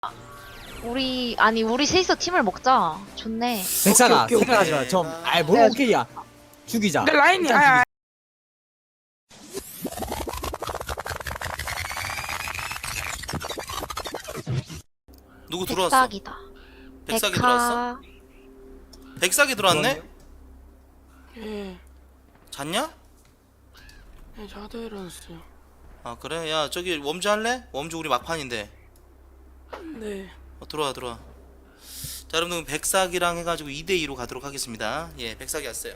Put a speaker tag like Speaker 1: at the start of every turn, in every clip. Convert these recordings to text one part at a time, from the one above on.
Speaker 1: 우리 셋이서 팀을 먹자. 좋네.
Speaker 2: 백사가
Speaker 3: 오케이, 오케이.
Speaker 2: 생각하지 마. 좀 아이 뭘
Speaker 1: 네.
Speaker 2: 오케이야. 죽이자.
Speaker 3: 근데 라인이
Speaker 2: 일단
Speaker 4: 누구 들어왔어?
Speaker 1: 백삭이다.
Speaker 4: 백삭이 들어왔어? 백삭이 들어왔네?
Speaker 3: 예,
Speaker 4: 잤냐?
Speaker 3: 예, 자다 일어났어요.
Speaker 4: 아 그래? 야 저기 웜주 할래? 웜주 우리 막판인데.
Speaker 3: 네,
Speaker 4: 들어와. 자 여러분들 백삭이랑 해가지고 2대2로 가도록 하겠습니다. 예, 백삭이 왔어요.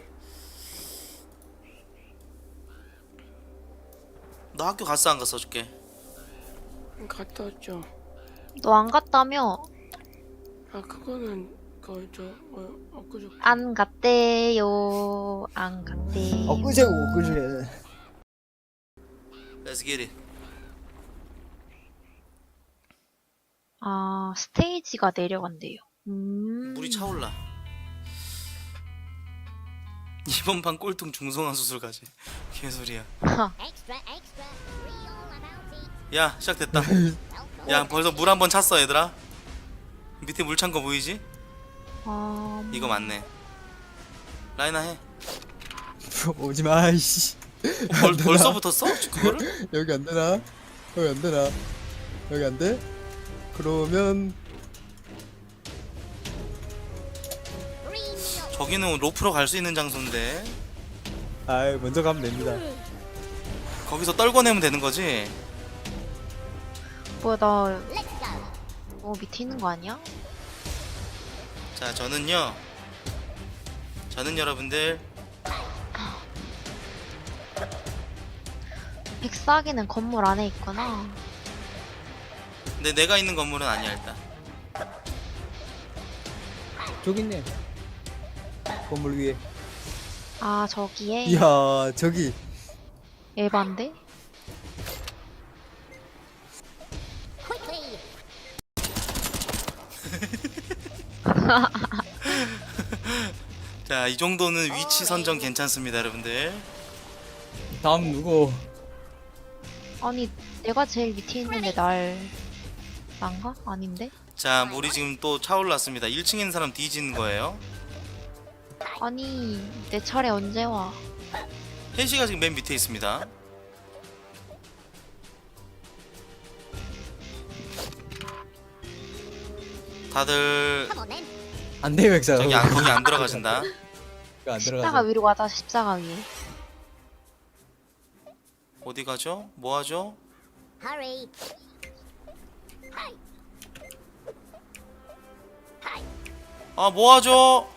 Speaker 4: 너 학교 갔어 안 갔어 어저께?
Speaker 3: 갔다 왔죠.
Speaker 1: 너 안 갔다며?
Speaker 3: 아, 그거는 엊그저께.
Speaker 1: 안 갔대요. 안 갔대.
Speaker 2: 엊그제고 엊그제.
Speaker 4: Let's get it.
Speaker 1: 아, 스테이지가 내려간대요.
Speaker 4: 물이 차올라. 이번 판 꼴등 중성화 수술 가지. 개소리야. 야 시작됐다. 야 벌써 물 한 번 찼어 얘들아. 밑에 물 찬 거 보이지? 이거 맞네. 라이나 해.
Speaker 2: 오지 마. 이씨.
Speaker 4: 벌써 붙었어? 그거를?
Speaker 2: 여기 안 되나? 여기 안 되나? 여기 안 돼? 그러면
Speaker 4: 저기는 로프로 갈 수 있는 장소인데
Speaker 2: 아이 먼저 가면 됩니다.
Speaker 4: 거기서 떨궈내면 되는 거지?
Speaker 1: 뭐야, 나 밑에 있는 거 아니야?
Speaker 4: 자 저는 여러분들
Speaker 1: 백삭이는 건물 안에 있구나.
Speaker 4: 근데 내가 있는 건물은 아니야 일단.
Speaker 2: 저기 있네. 건물 위에.
Speaker 1: 아, 저기에?
Speaker 2: 이야 저기.
Speaker 1: 에반데?
Speaker 4: 자 이 정도는 위치 선정 괜찮습니다 여러분들.
Speaker 2: 다음 누구?
Speaker 1: 아니, 내가 제일 밑에 있는데 난가? 아닌데?
Speaker 4: 자 물이 지금 또 차올랐습니다. 1층에 있는 사람 뒤지는 거예요.
Speaker 1: 아니, 내 차례 언제 와?
Speaker 4: 혜시가 지금 맨 밑에 있습니다. 다들
Speaker 2: 안 돼, 백사.
Speaker 4: 거기 안 들어가신다.
Speaker 2: 안
Speaker 1: 십자가
Speaker 2: 들어가죠.
Speaker 1: 위로 가자, 십자가 위에.
Speaker 4: 어디 가죠? 뭐 하죠?
Speaker 5: Hurry.
Speaker 4: 아 뭐 하죠?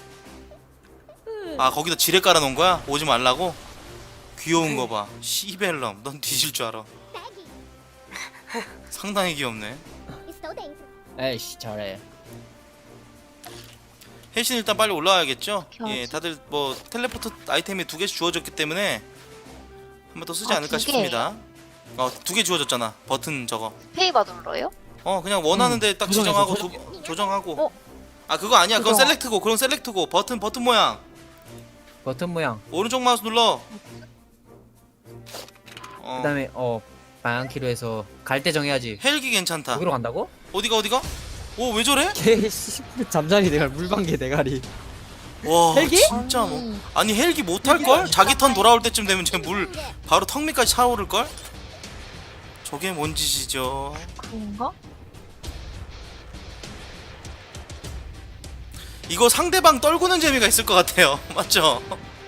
Speaker 4: 아 거기다 지뢰 깔아놓은 거야? 오지 말라고? 귀여운 거 봐. 시벨럼, 넌 뒤질 줄 알아. 상당히 귀엽네.
Speaker 5: It's so dangerous.
Speaker 2: 에이씨 잘해.
Speaker 4: 혜신 일단 빨리 올라와야겠죠?
Speaker 1: 어떻게
Speaker 4: 예,
Speaker 1: 하지?
Speaker 4: 다들 뭐 텔레포트 아이템이 2개씩 주어졌기 때문에 한 번 더 쓰지
Speaker 1: 아,
Speaker 4: 않을까
Speaker 1: 2개?
Speaker 4: 싶습니다. 2개 주어졌잖아. 버튼 저거.
Speaker 1: 페이바 눌러요?
Speaker 4: 그냥 원하는데 딱
Speaker 2: 조정해서
Speaker 4: 지정하고 조정하고.
Speaker 1: 어?
Speaker 4: 아 그거 아니야. 그건
Speaker 1: 조정.
Speaker 4: 셀렉트고. 그건 셀렉트고. 버튼 모양.
Speaker 6: 버튼 모양.
Speaker 4: 오른쪽 마우스 눌러.
Speaker 6: 그다음에 방향키로 해서 갈 때 정해야지.
Speaker 4: 헬기 괜찮다.
Speaker 6: 거기로 간다고?
Speaker 4: 어디가? 오 왜 저래?
Speaker 2: 개씨 잠자리 대가리 물방개 대가리.
Speaker 4: 와
Speaker 2: 헬기?
Speaker 4: 진짜 뭐 아니 헬기 못할 걸? 자기 턴 돌아올 때쯤 되면 쟤 물 바로 턱 밑까지 차오를 걸? 저게 뭔 짓이죠?
Speaker 1: 그런가?
Speaker 4: 이거 상대방 떨구는 재미가 있을 것 같아요. 맞죠?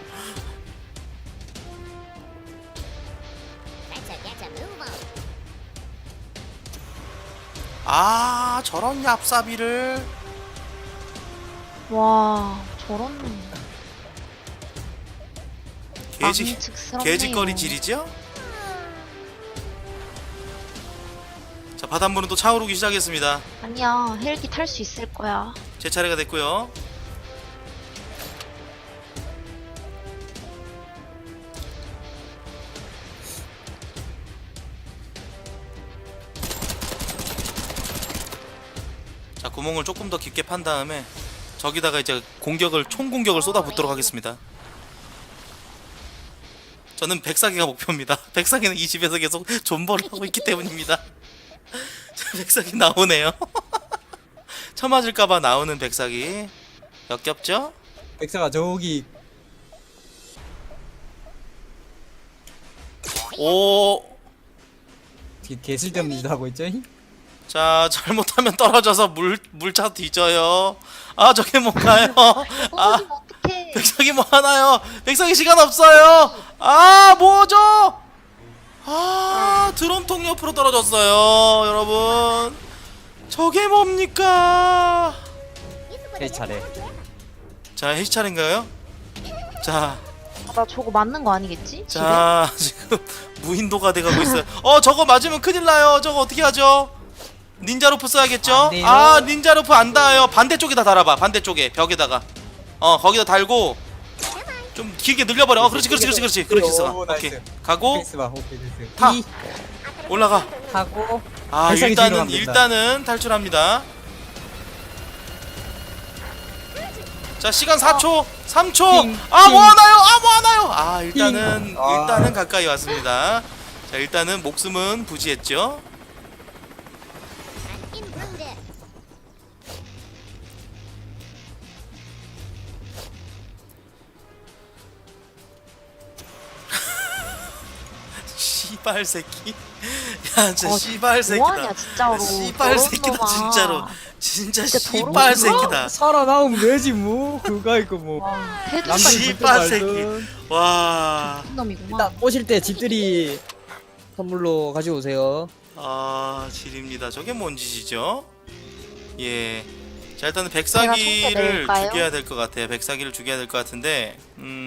Speaker 5: Get a move on.
Speaker 4: 아 저런 얍삽이를
Speaker 1: 와, 저런 망측스럽네요.
Speaker 4: 개짓거리 질이죠? 자 바닷물은 또 차오르기 시작했습니다.
Speaker 1: 아니야, 헬기 탈 수 있을 거야.
Speaker 4: 제 차례가 됐고요. 자 구멍을 조금 더 깊게 판 다음에 저기다가 이제 총 공격을 쏟아붓도록 하겠습니다. 저는 백사기가 목표입니다. 백사기는 이 집에서 계속 존버를 하고 있기 때문입니다. 백사기 나오네요. 쳐맞을까봐 나오는 백사기. 역겹죠?
Speaker 6: 백사가 저기
Speaker 4: 오.
Speaker 6: 개쓸데없는 짓 하고 있죠?
Speaker 4: 자, 잘못하면 떨어져서 물차 뒤져요. 아, 저게 뭔가요? 아,
Speaker 1: 떨어지면 어떡해.
Speaker 4: 백사기 뭐 하나요? 백사기 시간 없어요. 아, 뭐죠? 아, 드럼통 옆으로 떨어졌어요, 여러분. 저게 뭡니까?
Speaker 6: 해 차례.
Speaker 4: 자, 해시 차례인가요? 자,
Speaker 1: 나 저거 맞는 거 아니겠지?
Speaker 4: 자, 지금 무인도가 돼가고 있어요. 저거 맞으면 큰일 나요. 저거 어떻게 하죠? 닌자 로프 써야겠죠?
Speaker 6: 안 돼요.
Speaker 4: 아, 닌자 로프 안 닿아요. 반대쪽에다 달아봐. 반대쪽에 벽에다가. 거기다 달고 좀 길게 늘려버려. 그렇지, 있어.
Speaker 6: 오,
Speaker 4: 오케이,
Speaker 6: 나이스.
Speaker 4: 가고
Speaker 6: 백스 봐. 오케이 됐어.
Speaker 4: 타.
Speaker 6: 이
Speaker 4: 올라가.
Speaker 6: 하고
Speaker 4: 아,
Speaker 6: 발사기 뒤로 가면 된다.
Speaker 4: 일단은 탈출합니다. 자, 시간 4초, 3초.
Speaker 6: 띵,
Speaker 4: 아, 뭐
Speaker 6: 띵.
Speaker 4: 하나요? 아, 일단은
Speaker 6: 띵. 아.
Speaker 4: 일단은 가까이 왔습니다. 자, 일단은 목숨은 부지했죠.
Speaker 5: Imploded.
Speaker 4: 씨발 새끼. 야, 진짜 씨발 새끼다.
Speaker 1: 뭐하냐 진짜로.
Speaker 4: 씨발
Speaker 1: 더러운
Speaker 4: 새끼다,
Speaker 1: 놈아.
Speaker 4: 진짜로. 진짜
Speaker 1: 진짜 더러운
Speaker 4: 씨발
Speaker 1: 놈아.
Speaker 4: 새끼다.
Speaker 6: 살아나오면 되지 뭐. 그거 있고 뭐.
Speaker 1: 와, 해도
Speaker 6: 남들
Speaker 4: 씨발
Speaker 6: 그때
Speaker 4: 새끼.
Speaker 6: 말든.
Speaker 4: 와.
Speaker 1: 나쁜 놈이구만.
Speaker 6: 일단 오실 때 집들이 선물로 가지고 오세요.
Speaker 4: 아, 질입니다. 저게 뭔 짓이죠? 예. 자, 일단은
Speaker 1: 제가
Speaker 4: 백사기를
Speaker 1: 소개해드릴까요?
Speaker 4: 죽여야 될 것 같아요. 백사기를 죽여야 될 것 같은데,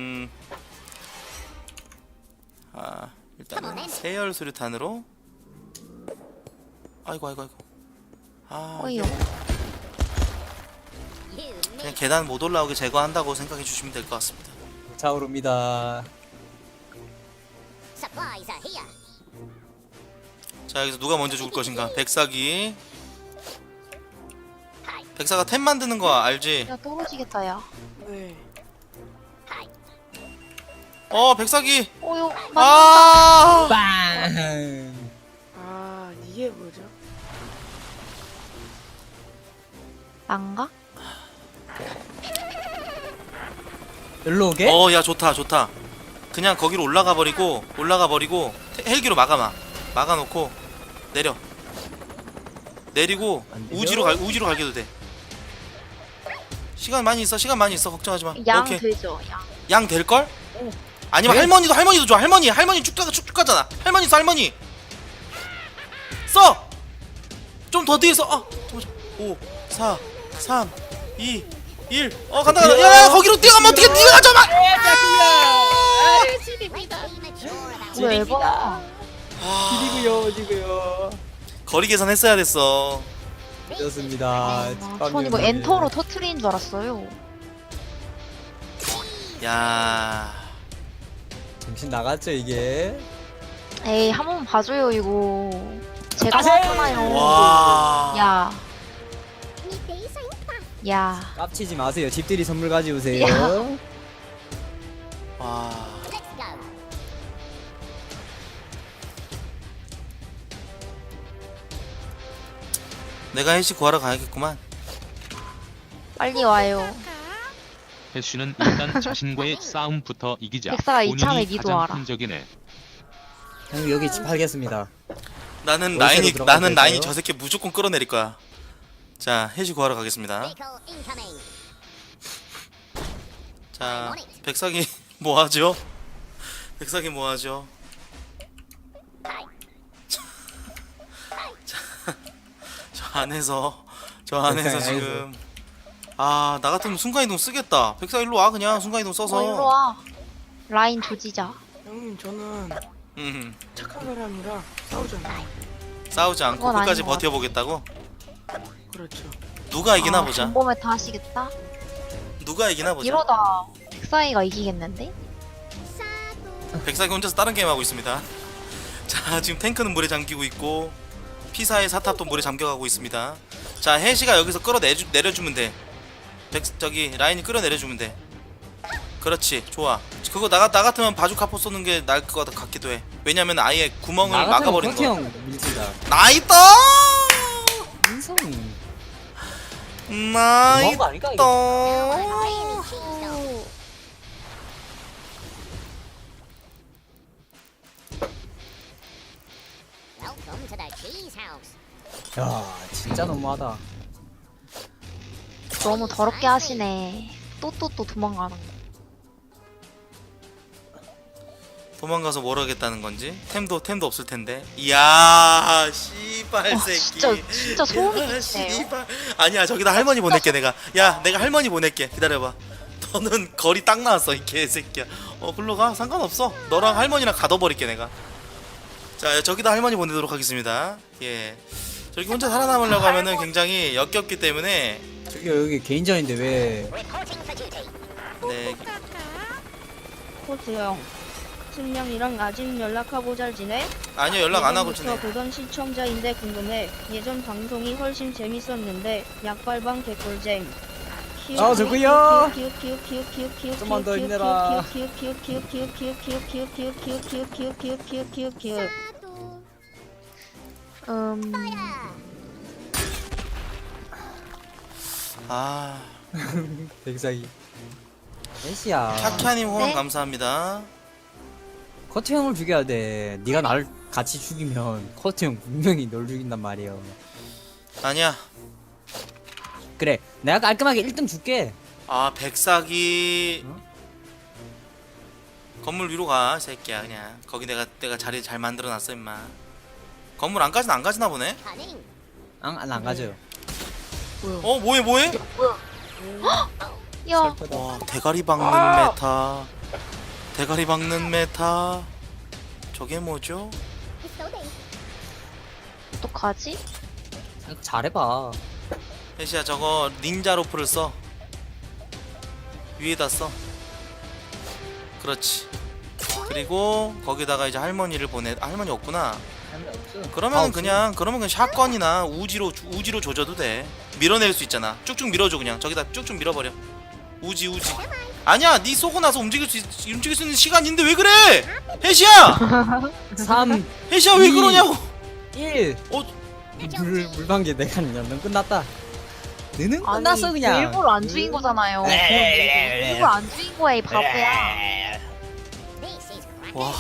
Speaker 4: 일단은 세열 수류탄으로. 아이고. 아,
Speaker 1: 어이요.
Speaker 5: You
Speaker 4: 그냥
Speaker 5: need
Speaker 4: 계단 못 올라오게 제거한다고 생각해 주시면 될 것 같습니다.
Speaker 6: 차오릅니다.
Speaker 5: supplies are here.
Speaker 4: 자, 여기서 누가 먼저 죽을 것인가? 백사기. 백사가 템 만드는 거 알지?
Speaker 1: 야 떨어지겠다 야.
Speaker 3: 네.
Speaker 4: 백사기.
Speaker 1: 어유.
Speaker 4: 아!
Speaker 6: 빵.
Speaker 3: 아, 이게 뭐죠?
Speaker 1: 난가?
Speaker 6: 일로 오게?
Speaker 4: 야, 좋다. 그냥 거기로 올라가 버리고 헬기로 막아놓고 내리고
Speaker 6: 안 돼요?
Speaker 4: 우지로 갈게도 돼. 시간 많이 있어. 걱정하지 마.
Speaker 1: 양
Speaker 4: 오케이.
Speaker 1: 되죠 양.
Speaker 4: 양 될 걸? 아니면
Speaker 6: 네?
Speaker 4: 할머니도 좋아. 할머니 쭉 가잖아. 할머니 써. 써. 좀 더 뒤에서. 5 4 3 2 1. 간다. 야, 거기로 뛰어가면 어떻게 네가 가져마.
Speaker 1: 왜 에바?
Speaker 6: 지고요.
Speaker 4: 거리 계산했어야 됐어.
Speaker 6: 좋습니다.
Speaker 1: 전 이거 엔터로 터트리는 줄 알았어요.
Speaker 4: 야.
Speaker 6: 정신 나갔죠 이게.
Speaker 1: 에이 한 번 봐줘요 이거. 제가
Speaker 6: 다시!
Speaker 1: 봤잖아요.
Speaker 4: 와.
Speaker 1: 야.
Speaker 5: Need these things.
Speaker 1: 야.
Speaker 6: 깝치지 마세요. 집들이 선물 가져오세요.
Speaker 4: 와.
Speaker 5: Let's go.
Speaker 4: 내가 헬시 구하러 가야겠구만.
Speaker 1: 빨리 와요.
Speaker 7: 해쉬는 일단 자신과의 싸움부터 이기자.
Speaker 1: 백사가 이참에
Speaker 7: 본인이 가장
Speaker 1: 기도하라.
Speaker 7: 흔적이네.
Speaker 6: 형 여기 집 팔겠습니다.
Speaker 4: 나는
Speaker 6: 월세로
Speaker 4: 라인이
Speaker 6: 들어가도
Speaker 4: 저 새끼 무조건 끌어내릴 거야. 자, 헬시 구하러 가겠습니다.
Speaker 5: Vehicle incoming.
Speaker 4: 자, 백사기 뭐 하죠? 저 안에서
Speaker 6: 백사기
Speaker 4: 지금 나 같으면 순간이동 쓰겠다. 백사 일로 와. 그냥 순간이동 써서.
Speaker 1: 일로 와. 라인 조지자.
Speaker 3: 형님, 저는
Speaker 4: 음,
Speaker 3: 착한 사람이라 싸우잖아요.
Speaker 4: 싸우지 않고
Speaker 1: 그건
Speaker 4: 끝까지
Speaker 1: 아닌 것
Speaker 4: 버텨보겠다고.
Speaker 3: 그렇죠.
Speaker 4: 누가 이기나 보자.
Speaker 1: 전범에 다 하시겠다?
Speaker 4: 누가 이기나 보자.
Speaker 1: 이러다 백사이가 이기겠는데?
Speaker 4: 백사기 혼자서 다른 게임 하고 있습니다. 자, 지금 탱크는 물에 잠기고 있고 피사의 사탑도 물에 잠겨가고 있습니다. 자, 해시가 여기서 내려주면 돼. 저기 라인이 끌어내려주면 돼. 그렇지, 좋아. 그거 나 같으면 바주카포 쏘는 게 나을 것 같기도 해. 왜냐면 아예 구멍을 막아버리는 거.
Speaker 6: 형 밀지다.
Speaker 4: 나이다.
Speaker 6: 무슨
Speaker 4: 나이
Speaker 6: 거 아닐까 이거?
Speaker 4: 또
Speaker 5: Creamy cheese dog. Welcome to the cheese house.
Speaker 6: 야 진짜 너무하다.
Speaker 1: 너무 더럽게 하시네. 또 도망가는 거.
Speaker 4: 도망가서 뭘 하겠다는 건지 템도 없을 텐데. 이야 씨발 새끼.
Speaker 1: 진짜 소음이
Speaker 4: 야,
Speaker 1: 끼치네요.
Speaker 4: 씨발. 아니야 저기다 할머니 보낼게 내가. 야 내가 할머니 보낼게. 기다려봐. 너는 거리 딱 나왔어 이 개새끼야. 글로 가 상관없어. 너랑 할머니랑 가둬버릴게 내가. 자 저기다 할머니 보내도록 하겠습니다. 예. 저기 혼자 살아남으려고 하면은 굉장히 역겹기 때문에
Speaker 6: 저기 여기 개인전인데 왜?
Speaker 5: Reporting for duty.
Speaker 4: 네.
Speaker 8: 코트 형, 승냥이랑 아직 연락하고 잘 지내?
Speaker 4: 아니요 연락 안 하고
Speaker 8: 예전부터
Speaker 4: 지내.
Speaker 8: 보던 시청자인데 궁금해. 예전 방송이 훨씬 재밌었는데 약발방 개꿀잼.
Speaker 6: 아, 저거요.
Speaker 8: 좀만
Speaker 6: 좀만 더 힘내라.
Speaker 4: 아
Speaker 6: 백사기. 애쉬야.
Speaker 4: 카카님 후원
Speaker 1: 네?
Speaker 4: 감사합니다.
Speaker 6: 커트 형을 죽여야 돼. 네가 나를 같이 죽이면 커트 형 분명히 널 죽인단 말이야.
Speaker 4: 아니야.
Speaker 6: 그래, 내가 깔끔하게 1등 줄게.
Speaker 4: 아 백사기
Speaker 6: 어?
Speaker 4: 건물 위로 가 새끼야 그냥. 거기 내가 자리 잘 만들어놨어 임마. 건물 안까지는 안 가지나 보네.
Speaker 5: Cunning.
Speaker 6: 안 가져요.
Speaker 4: 뭐해?
Speaker 1: 야,
Speaker 4: 와 대가리 박는 메타. 대가리 박는 메타. 저게 뭐죠?
Speaker 5: It's so big.
Speaker 1: 어떡하지?
Speaker 6: 잘해봐.
Speaker 4: 혜시야 저거 닌자 로프를 써. 위에다 써. 그렇지. 그리고 거기다가 이제 할머니를 보내. 할머니 없구나. 그러면 그냥 샷건이나 우지로 조져도 돼. 밀어낼 수 있잖아. 쭉쭉 밀어줘 그냥. 저기다 쭉쭉 밀어버려. 우지. 아니야, 네 쏘고 나서 움직일 수 있는 시간인데 왜 그래? 혜시야,
Speaker 6: 3,
Speaker 4: 혜시야 왜
Speaker 6: 2.
Speaker 4: 그러냐고.
Speaker 6: 1. 물방개 내가 넌 끝났다. 너는 끝났어 그냥.
Speaker 1: 일부러 안 죽인 거잖아요. 일부러 안 죽인 거야 이 바보야.
Speaker 5: This is cracking.
Speaker 4: 와.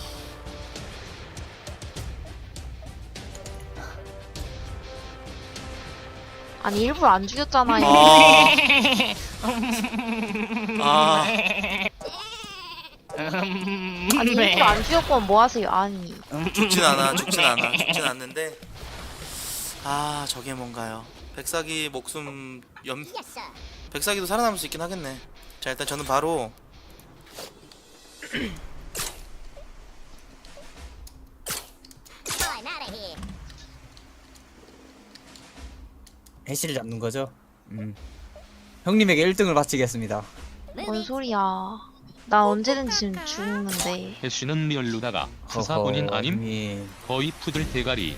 Speaker 1: 아니 일부러 안 죽였잖아요.
Speaker 4: 아,
Speaker 1: 아니 일부러 안 죽였건 뭐 하세요? 아니.
Speaker 4: 죽진 않는데. 아, 저게 뭔가요? 백사기 목숨
Speaker 5: Yes, sir.
Speaker 4: 백사기도 살아남을 수 있긴 하겠네. 자, 일단 저는 바로
Speaker 5: I'm out of here.
Speaker 6: 해시를 잡는 거죠. 형님에게 1등을 바치겠습니다.
Speaker 1: 뭔 소리야? 나 언제든지 지금 죽는데.
Speaker 7: 해쉬는 리얼루다가 수사본인 아님?
Speaker 6: 형님.
Speaker 7: 거의 푸들 대가리.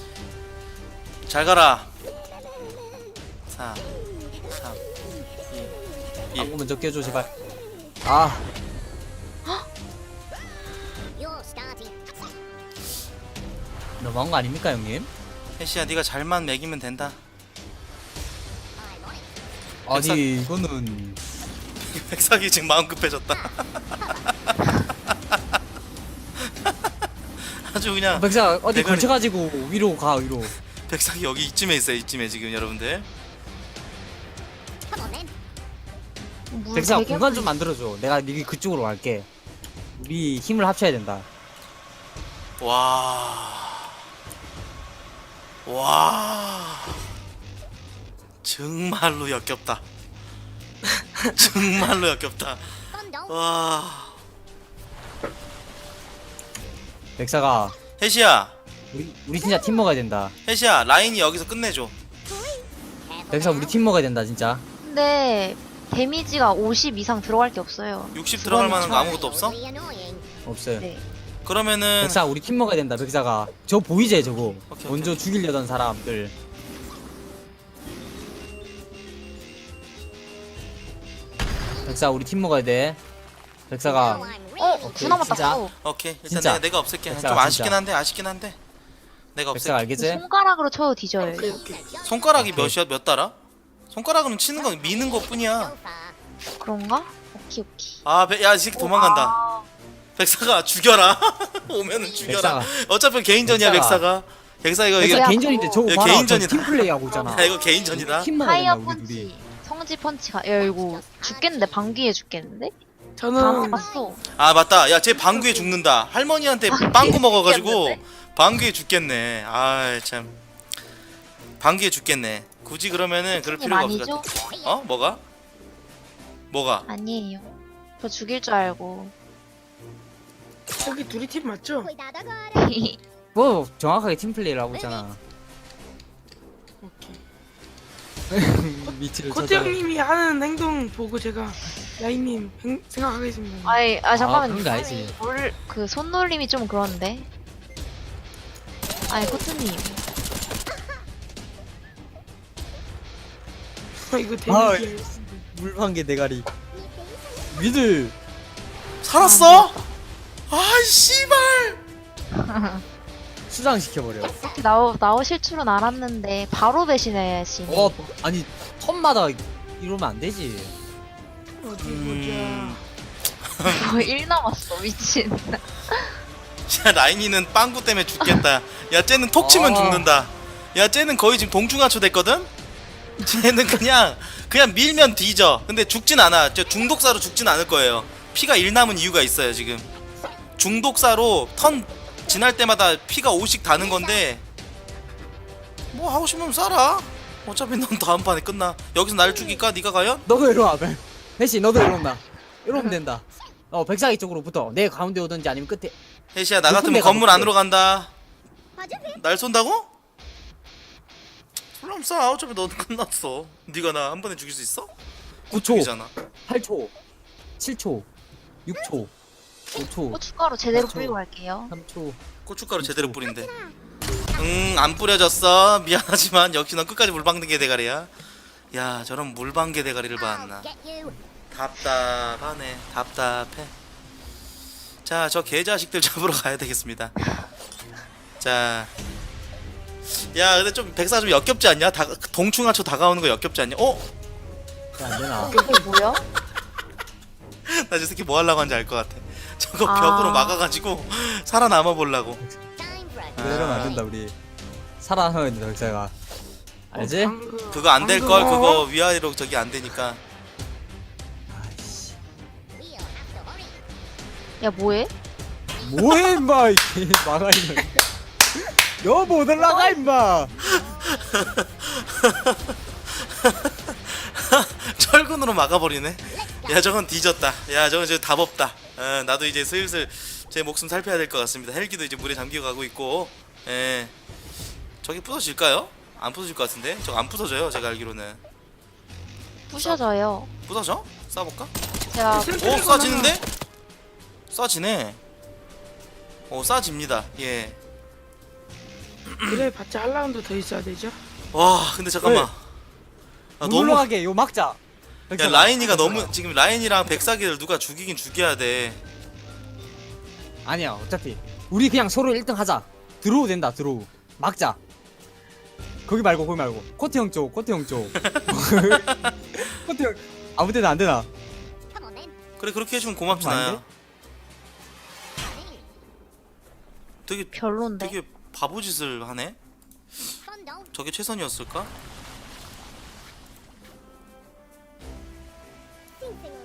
Speaker 4: 잘 가라. 4 3 2
Speaker 6: 방구 먼저 껴줘 제발. 아,
Speaker 5: You're starting.
Speaker 6: 너무한 거 아닙니까 형님?
Speaker 4: 혜시야, 네가 잘만 먹이면 된다.
Speaker 5: I'm on it.
Speaker 6: 아니 이거는
Speaker 4: 백사기 지금 마음 급해졌다. 아주 그냥
Speaker 6: 백사 어디
Speaker 4: 대가리-
Speaker 6: 걸쳐가지고 위로 가 위로.
Speaker 4: 백사기 여기 이쯤에 있어요. 이쯤에 지금 여러분들.
Speaker 5: Come on then.
Speaker 1: 물
Speaker 6: 백사
Speaker 1: 되게
Speaker 6: 공간 좀 만들어줘. 내가 네 그쪽으로 갈게. 우리 힘을 합쳐야 된다.
Speaker 4: 와 정말로 역겹다. 정말로 역겹다.
Speaker 5: Fun dog.
Speaker 4: 와
Speaker 6: 백사가
Speaker 4: 혜시야,
Speaker 6: 우리 진짜 팀 먹어야 된다.
Speaker 4: 혜시야 라인이 여기서 끝내줘.
Speaker 5: Careful
Speaker 6: 백사
Speaker 5: now.
Speaker 6: 우리 팀 먹어야 된다 진짜.
Speaker 1: 근데 데미지가 50 이상 들어갈 게 없어요.
Speaker 4: 60 들어갈 만한 거 아무것도 없어?
Speaker 5: Really annoying.
Speaker 6: 없어요.
Speaker 1: 네.
Speaker 4: 그러면은
Speaker 6: 백사 우리 팀 먹어야 된다. 백사가 저 보이지 저거.
Speaker 4: 오케이,
Speaker 6: 먼저
Speaker 4: 오케이.
Speaker 6: 죽이려던 사람들. 백사 우리 팀 먹어야 돼. 백사가
Speaker 5: Now I'm
Speaker 1: 어,
Speaker 5: really
Speaker 1: 구 남았다.
Speaker 6: 진짜?
Speaker 1: 구.
Speaker 4: 오케이 일단
Speaker 6: 진짜.
Speaker 4: 내가 없앨게. 좀
Speaker 6: 백사가
Speaker 4: 아쉽긴
Speaker 6: 진짜.
Speaker 4: 한데 내가
Speaker 6: 백사가
Speaker 4: 없앨게.
Speaker 6: 알겠지?
Speaker 1: 손가락으로 쳐도 뒤져요.
Speaker 3: 오케이 오케이.
Speaker 4: 손가락이 몇이야? 몇 달아? 손가락은 치는 건 미는 것 뿐이야.
Speaker 5: So far.
Speaker 1: 그런가? 오케이 오케이.
Speaker 4: 아, 야, 이 새끼 도망간다.
Speaker 1: 아,
Speaker 4: 백사가 죽여라. 오면은 죽여라.
Speaker 6: 백사가.
Speaker 4: 어차피 개인전이야, 백사가. 백사 이거
Speaker 6: 백사
Speaker 4: 이거
Speaker 6: 개인전인데 저거
Speaker 4: 이거
Speaker 6: 봐라.
Speaker 4: 개인전이다.
Speaker 6: 팀 플레이 하고 있잖아.
Speaker 4: 야, 이거 개인전이다.
Speaker 6: 팀 먹어야
Speaker 1: 파이어
Speaker 6: 된다 우리 둘이.
Speaker 1: 펀치, 성지 펀치가 야 이거 죽겠는데 방귀에 죽겠는데? 다
Speaker 3: 저는
Speaker 1: 맞았어.
Speaker 4: 아, 맞다. 야, 쟤 방귀에 죽는다. 할머니한테 빵구 먹어가지고
Speaker 1: 죽겠는데?
Speaker 4: 방귀에 죽겠네. 아, 참. 방귀에 죽겠네. 굳이 그러면은 그럴
Speaker 1: 팀
Speaker 4: 필요가 없을 것
Speaker 1: 아니죠?
Speaker 4: 같아. 어? 뭐가? 뭐가?
Speaker 1: 아니에요. 저 죽일 줄 알고.
Speaker 3: 저기 둘이 팀 맞죠?
Speaker 5: Cuidado agora.
Speaker 6: 뭐 정확하게 팀 플레이를 하고 있잖아.
Speaker 3: 오케이.
Speaker 6: 미치를
Speaker 3: 코트
Speaker 6: 찾아.
Speaker 3: 형님이 하는 행동 보고 제가 라인님 생각하겠습니다.
Speaker 1: 아이 아 잠깐만.
Speaker 6: 그런 거 알지.
Speaker 1: 그 손놀림이 좀 그런데. 아니 코트님.
Speaker 3: 이거
Speaker 6: 아,
Speaker 3: 데미지.
Speaker 6: 물방개 대가리. 미들.
Speaker 4: 살았어? 아, 씨발.
Speaker 6: 수장 시켜버려.
Speaker 1: 이렇게 나오실 줄은 알았는데 바로 배신해야지.
Speaker 6: 아니 턴마다 이러면 안 되지.
Speaker 3: 어디 보자.
Speaker 1: 거의 1 남았어 미친.
Speaker 4: 야, 라인이는 빵구 때문에 죽겠다. 야, 쟤는 톡 치면
Speaker 6: 아.
Speaker 4: 죽는다. 야, 쟤는 거의 지금 동중하초 됐거든? 쟤는 그냥 밀면 뒤져. 근데 죽진 않아. 저 중독사로 죽진 않을 거예요. 피가 1 남은 이유가 있어요, 지금. 중독사로 턴 지날 때마다 피가 5씩 다는 건데 뭐 하고 싶으면 쏴라. 어차피 넌 다음 판에 끝나. 여기서 날 죽일까? 네가 과연?
Speaker 6: 너도 이리 와. 혜씨 너도 이리 온다. 이러면 된다. 백사기 쪽으로 붙어. 내 가운데 오든지 아니면 끝에.
Speaker 4: 혜시야, 나
Speaker 6: 높은
Speaker 4: 같으면
Speaker 6: 데가
Speaker 4: 건물
Speaker 6: 높대.
Speaker 4: 안으로 간다.
Speaker 5: Pode vir.
Speaker 4: 날 쏜다고? 그럼 쏴. 어차피 너는 끝났어. 네가 나 한 번에 죽일 수 있어?
Speaker 6: 9초,
Speaker 4: 죽이잖아.
Speaker 6: 8초, 7초, 6초, 5초,
Speaker 1: 고춧가루 제대로
Speaker 6: 그렇죠.
Speaker 1: 뿌리고 갈게요.
Speaker 6: 3초.
Speaker 4: 고춧가루 제대로 뿌린대. 안 뿌려졌어. 미안하지만 역시 넌 끝까지 물방개 대가리야. 야, 저런 물방개 대가리를 봤나.
Speaker 5: Get you.
Speaker 4: 답답하네. 답답해. 자, 저 개자식들 잡으러 가야 되겠습니다. 자, 야, 근데 좀 백사 좀 역겹지 않냐? 동충하초 다가오는 거 역겹지 않냐? 어?
Speaker 6: 안 되나?
Speaker 1: 이게 뭐야?
Speaker 4: 나 저 새끼 뭐 하려고 하는지 알 것 같아. 저거
Speaker 1: 아.
Speaker 4: 벽으로 막아가지고 살아남아 보려고.
Speaker 5: Time for a
Speaker 6: 이러면 안 된다 우리. 살아나야 된다 백사가. 알지?
Speaker 4: 그거 안 될 걸. 그거 위아래로 저기 안 되니까.
Speaker 6: 아이씨.
Speaker 5: We'll have to hurry.
Speaker 1: 야 뭐해?
Speaker 6: 뭐해 임마 이게 망하이는. 너못 올라가 임마.
Speaker 4: 철근으로 막아버리네. 야, 저건 뒤졌다. 야, 저건 이제 답 없다. 나도 이제 슬슬 제 목숨 살펴야 될 것 같습니다. 헬기도 이제 물에 잠기고 가고 있고. 예. 저기 부서질까요? 안 부서질 것 같은데? 저거 안 부서져요, 제가 알기로는.
Speaker 1: 부셔져요.
Speaker 4: 부서져? 쏴볼까?
Speaker 1: 제가
Speaker 4: 오, 쏴지는데? 쏴지네. 오, 쏴집니다. 예.
Speaker 3: 그래 봤자 한 라운드 더 있어야 되죠?
Speaker 4: 와, 근데 잠깐만. 아,
Speaker 6: 못
Speaker 4: 너무.
Speaker 6: 올라가게 요 막자.
Speaker 4: 야, 라인이가 너무 지금 라인이랑 백사기를 누가 죽이긴 죽여야 돼.
Speaker 6: 아니야 어차피 우리 그냥 서로 1등 하자. 드로우 된다 드로우. 막자. 거기 말고 코트 형 쪽. 코트 형 아무 데나 안 되나?
Speaker 5: Come on then.
Speaker 4: 그래, 그렇게 해주면 고맙지,
Speaker 6: 안 돼?
Speaker 4: 나야. 되게
Speaker 1: 별론데.
Speaker 4: 되게 바보짓을 하네.
Speaker 5: Fun don't.
Speaker 4: 저게 최선이었을까?
Speaker 5: Sing sing.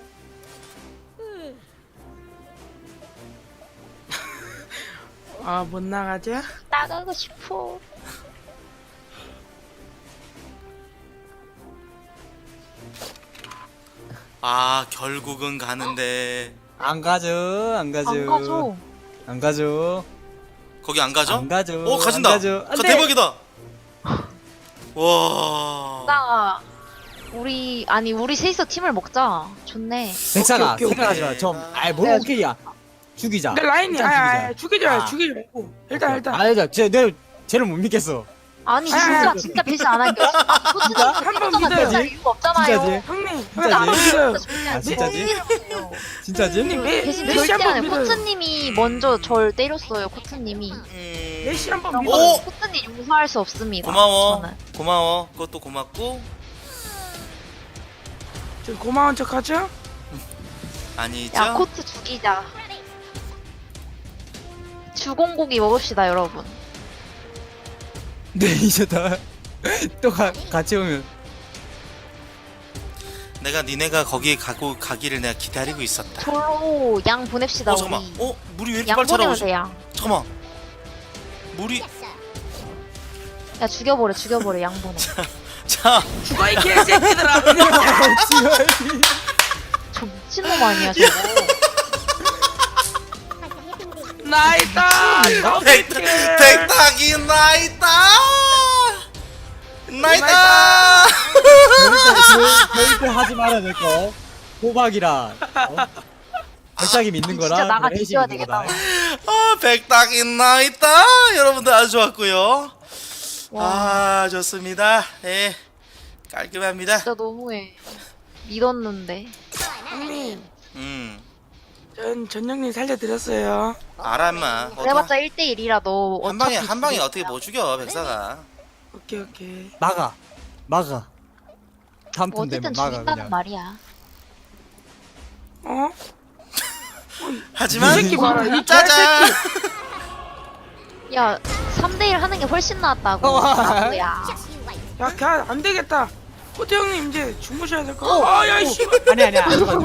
Speaker 3: 아 못 나가자.
Speaker 1: 나가고 싶어.
Speaker 4: 아, 결국은 가는데
Speaker 6: 안 가죠.
Speaker 1: 안 가죠.
Speaker 6: 안 가죠.
Speaker 4: 거기 안 가죠?
Speaker 6: 안 가죠.
Speaker 4: 오, 가진다.
Speaker 6: 안 가죠. 안 돼.
Speaker 4: 대박이다. 와.
Speaker 1: 나 우리 셋이서 팀을 먹자. 좋네.
Speaker 6: 백사가
Speaker 3: 오케이, 오케이,
Speaker 6: 생각하지 마.
Speaker 4: 오케이.
Speaker 6: 좀 아이 뭘
Speaker 1: 내가
Speaker 6: 오케이야. 죽이자.
Speaker 3: 근데 라인이
Speaker 6: 일단 죽이자.
Speaker 3: 죽이자
Speaker 6: 아.
Speaker 3: 죽이자 말고 일단
Speaker 6: 아니다. 쟤를 못 믿겠어.
Speaker 1: 아니
Speaker 3: 아,
Speaker 1: 진짜 배신 안 할게요.
Speaker 6: 진짜?
Speaker 3: 한번
Speaker 1: 진짜
Speaker 3: 믿어요.
Speaker 1: 이유가 없잖아요.
Speaker 6: 진짜지?
Speaker 3: 형님
Speaker 6: 진짜지?
Speaker 3: 한번 믿어요.
Speaker 6: 아, 진짜지? 진짜지?
Speaker 3: 형님
Speaker 1: 대신
Speaker 3: 메시
Speaker 1: 절대 안
Speaker 3: 한번
Speaker 1: 해요.
Speaker 3: 믿어요.
Speaker 1: 코트님이 먼저 절 때렸어요. 코트님이.
Speaker 3: 메시 한번
Speaker 4: 오!
Speaker 3: 믿어요.
Speaker 1: 코트님 충분히 용서할 수 없습니다.
Speaker 4: 고마워.
Speaker 1: 저는.
Speaker 4: 고마워. 그것도 고맙고.
Speaker 3: 저 고마운 척하죠?
Speaker 4: 아니죠?
Speaker 1: 야 코트 죽이자. 주공고기 먹읍시다 여러분.
Speaker 6: 네 이제 다또 같이 오면
Speaker 4: 내가 니네가 거기에 가기를 내가 기다리고 있었다.
Speaker 1: 졸로 양 보냅시다
Speaker 4: 잠깐만.
Speaker 1: 우리.
Speaker 4: 물이 왜 이렇게
Speaker 1: 양
Speaker 4: 빨리
Speaker 1: 보내면
Speaker 4: 차가워지?
Speaker 1: 돼 양.
Speaker 4: 잠깐만. 물이
Speaker 5: Yes, sir.
Speaker 1: 야 죽여버려 양 보내.
Speaker 4: 자,
Speaker 3: 죽어 이 개새끼들아.
Speaker 1: 저 미친놈 아니야 저거.
Speaker 3: 나이다.
Speaker 4: 백탁이 나있다. 나있다.
Speaker 6: 절대 하지 말아야 될 거. 호박이라. 백작이 믿는 거라.
Speaker 1: 진짜 나가
Speaker 6: 해시
Speaker 1: 뒤져야
Speaker 6: 믿는
Speaker 1: 되겠다.
Speaker 6: 거다.
Speaker 4: 백탁이 나있다. 여러분들 아주 좋았고요.
Speaker 1: 와
Speaker 4: 좋습니다. 예, 깔끔합니다.
Speaker 1: 진짜 너무해. 믿었는데.
Speaker 3: 형님,
Speaker 4: 음,
Speaker 3: 전영님 살려드렸어요.
Speaker 4: 알아 인마.
Speaker 1: 그래봤자 1대1이라 너
Speaker 4: 한 방에
Speaker 1: 어차피
Speaker 4: 한 방에
Speaker 1: 죽일
Speaker 4: 어떻게
Speaker 1: 거야.
Speaker 4: 못 죽여 백사가.
Speaker 3: 오케이.
Speaker 6: 막아. 다음
Speaker 1: 뭐
Speaker 6: 턴 되면
Speaker 1: 어쨌든
Speaker 6: 막아
Speaker 1: 죽인다는
Speaker 6: 그냥.
Speaker 1: 말이야.
Speaker 3: 어?
Speaker 4: 하지만
Speaker 3: 이 새끼 봐라. 이
Speaker 4: 짜잔.
Speaker 1: 야 3대1 하는 게 훨씬 낫다고. 야
Speaker 5: Just you wait.
Speaker 3: 야, 걔 안 되겠다. 호태 형님 이제 주무셔야 될 거. 야, 씨.
Speaker 6: 아니야. 안 들어가.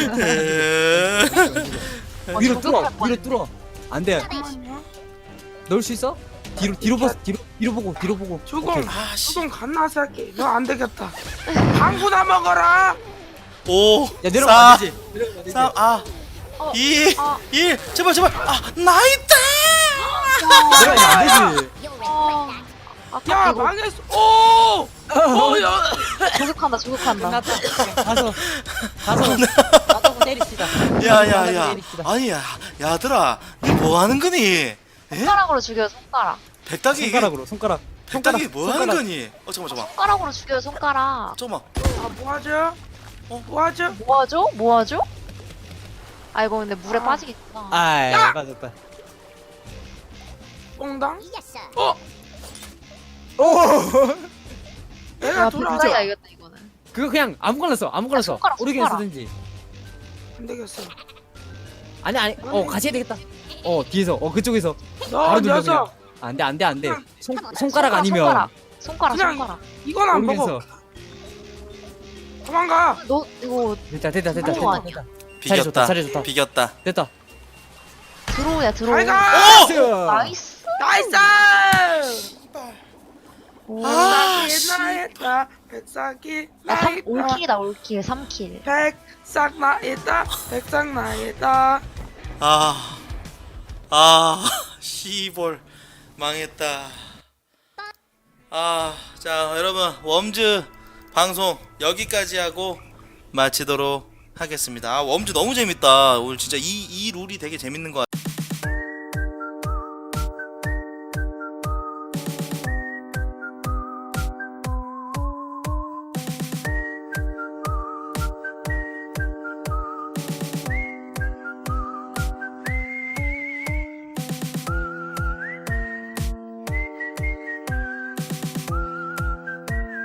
Speaker 6: 위로 뚫어. 안 돼.
Speaker 3: 잠깐만요.
Speaker 6: 넣을 수 있어? 뒤로 보고.
Speaker 3: 조금,
Speaker 6: 오케이.
Speaker 4: 아씨.
Speaker 3: 조금 갓나서 할게. 너 안 되겠다. 방구나 먹어라.
Speaker 4: 5,
Speaker 6: 야 내려가면
Speaker 4: 4,
Speaker 6: 안 되지. 내려가면 안 되지.
Speaker 4: 3,
Speaker 1: 어,
Speaker 4: 2,
Speaker 1: 아.
Speaker 4: 1. 제발. 나있다.
Speaker 6: 내려가면 안 되지.
Speaker 5: You're in
Speaker 1: 어,
Speaker 5: breakdance.
Speaker 1: 아까
Speaker 3: 야,
Speaker 1: 이거
Speaker 3: 망했어. 오, 야.
Speaker 1: 조급한다.
Speaker 6: 가서 나도 때립시다.
Speaker 4: 야야야.
Speaker 6: 때립시다.
Speaker 4: 아니야. 야들아. 니 뭐 하는 거니?
Speaker 1: 손가락으로 죽여요 손가락.
Speaker 4: 백탁이 이게
Speaker 6: 손가락.
Speaker 4: 백탁이 뭐 하는 거니? 잠깐만.
Speaker 1: 손가락으로 죽여요 손가락.
Speaker 4: 잠깐만.
Speaker 3: 아, 뭐하죠? 뭐하죠?
Speaker 1: 뭐하죠? 아 이거 근데 물에 빠지겠구나.
Speaker 6: 아이 맞았다.
Speaker 3: 뽕당?
Speaker 5: Yes, sir.
Speaker 3: 내가
Speaker 1: 야
Speaker 3: 돌아왔어.
Speaker 1: 불가야 이겼다 이거는.
Speaker 6: 그거 그냥 아무거나 써.
Speaker 1: 손가락,
Speaker 6: 오르게
Speaker 1: 손가락.
Speaker 6: 쓰든지.
Speaker 3: 안 되겠어.
Speaker 6: 아니. 같이 해야 되겠다. 뒤에서. 그쪽에서.
Speaker 3: 너
Speaker 6: 바로 눌러
Speaker 3: 녀석.
Speaker 6: 그냥. 안 돼. 손가락 아니면
Speaker 1: 손가락.
Speaker 3: 그냥- 이건 안 먹어.
Speaker 6: 오르면서.
Speaker 3: 도망가.
Speaker 1: 너 이거
Speaker 6: 됐다.
Speaker 1: 그런 거 아니야.
Speaker 4: 비겼다.
Speaker 6: 자리 좋다.
Speaker 4: 비겼다.
Speaker 6: 됐다.
Speaker 1: 들어오야 들어오.
Speaker 3: 잘 가.
Speaker 1: 나이스.
Speaker 3: 나이스.
Speaker 1: 오.
Speaker 3: 백삭이 나있다. 백삭이
Speaker 1: 야,
Speaker 3: 나있다.
Speaker 1: 올킬이다 올킬 3킬.
Speaker 3: 백삭 나있다. 백삭 나있다.
Speaker 4: 시볼 망했다. 자, 여러분 웜즈 방송 여기까지 하고 마치도록 하겠습니다. 웜즈 너무 재밌다. 오늘 진짜 이 룰이 되게 재밌는 것 같아요.